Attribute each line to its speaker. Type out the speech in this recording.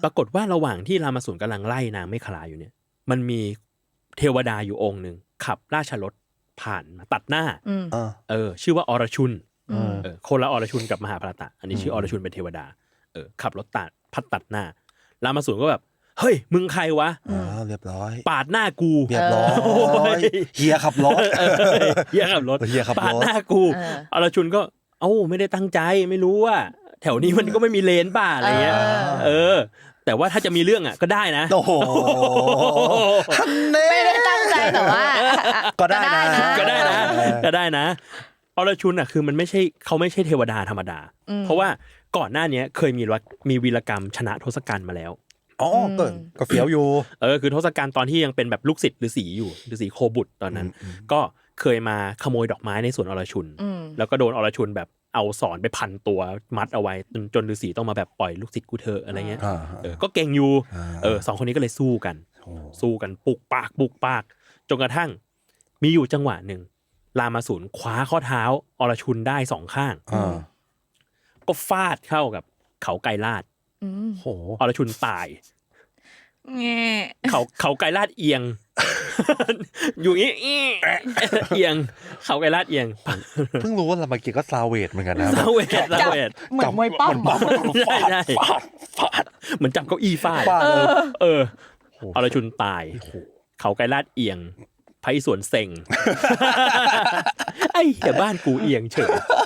Speaker 1: ปรากฏว่าระหว่างที่รามาสูรกำลังไล่นางเมขลาอยู่เนี่ยมันมีเทวดาอยู่องค์หนึ่งขับราชรถผ่านมาตัดหน้าชื่อว่าอรชุนคนละอรชุนกับมหาภารตะอันนี้ชื่ออรชุนเป็นเทวดาขับรถตัดหน้ารามาสูรก็แบบเฮ้ยมึงใครวะ
Speaker 2: เรียบร้อย
Speaker 1: ปาดหน้ากู
Speaker 2: เรียบร้อยเฮียขับรถ
Speaker 1: เฮียขับรถปาดหน้ากูอรชุนก็ไม่ได้ตั้งใจไม่รู้ว่าแถวนี้มันก็ไม่มีเลนป่ะอะไรเงี้ยแต่ว่าถ้าจะมีเรื่องอ่ะก็ได้นะ
Speaker 2: โอ้โห
Speaker 3: ไม่ได้ตั้งใจแต่ว่า
Speaker 2: ก็ได้
Speaker 1: นะอรชุนอ่ะคือมันไม่ใช่เทวดาธรรมดาเพราะว่าก่อนหน้านี้เคยมีวีรกรรมชนะทศกัณฐ์มาแล้ว
Speaker 2: ก็เฟี้ยวอยู่
Speaker 1: คือทศกัณฐ์ตอนที่ยังเป็นแบบลูกศิษย์ฤาษีอยู่ฤาษีโคบุตรตอนนั้นก็เคยมาขโมยดอกไม้ในสวนอรชุนแล้วก็โดนอรชุนแบบเอาสอนไปพันตัวมัดเอาไว้จนฤาษีต้องมาแบบปล่อยลูกศิษย์กูเถอะอะไรเงี้ยก็เก่งอยู่สองคนนี้ก็เลยสู้กันปุกปากจนกระทั่งมีอยู่จังหวะหนึ่งรามาสูรคว้าข้อเท้าอรชุนได้สองข้างก็ฟาดเข้ากับเขาไกรลาดอรชุนตายเขาไกรลาดเอียงอยู่งี้เอียงเขาไกรลาดเอียง
Speaker 2: เพิ่งรู้ว่ารามาเกียรติก็ซาเวทเหมือนกันนะ
Speaker 1: ซาเวท
Speaker 3: เหมือนมวยปั้ม
Speaker 1: ใช่ฟาดเหมือนจับเก้าอี้ฟาดอรชุนตายเขาไกรลาดเอียงไพศาลเซ็งไอ้เหี้ยบ้านกูเอียงเฉย